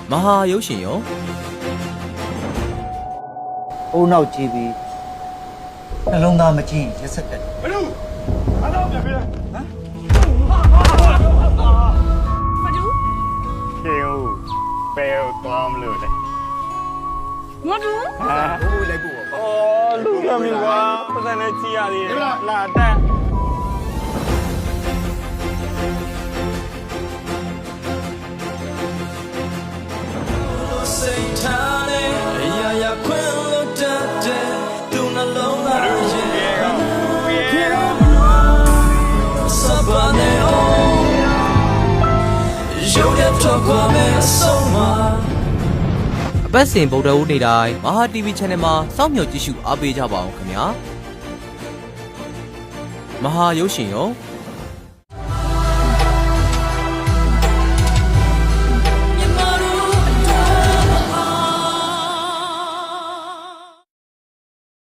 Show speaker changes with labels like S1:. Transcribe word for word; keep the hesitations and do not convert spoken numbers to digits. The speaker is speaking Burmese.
S1: မဟာရုပ်ရှင်ရော
S2: ဘုံနောက်ကြည့်ပြီးနှလုံးသားမကြည့်ရက်ဆက်တက်တယ်ဘယ်လိုအားလုံးပြန်ပြန်ဟမ်
S3: မတူ
S4: ကျေဦးဘယ်ကိုသွားမလို့လဲ
S3: မတူ
S4: ဟာဘိုးလိုက်ပို့ပါအော်လူရမီကွာပတ်စံနဲ့ကြည့်ရသေးတယ်လာတက်
S5: စိတ်ထားနဲ့အရာရာခွင့်လို့တတ်တဲ့သူနှလုံးသားရဲ့စပါနေအောင်ရုပ်ရတော့ကွာမဲ့ဆုံးမ
S1: အပတ်စဉ်ဗုဒ္ဓဦးနေ့တိုင်းမဟာ တီဗီ Channel မှာစောင့်မျှော်ကြည့်ရှုအားပေးကြပါအောင်ခင်ဗျာမဟာရုပ်ရှင်ရော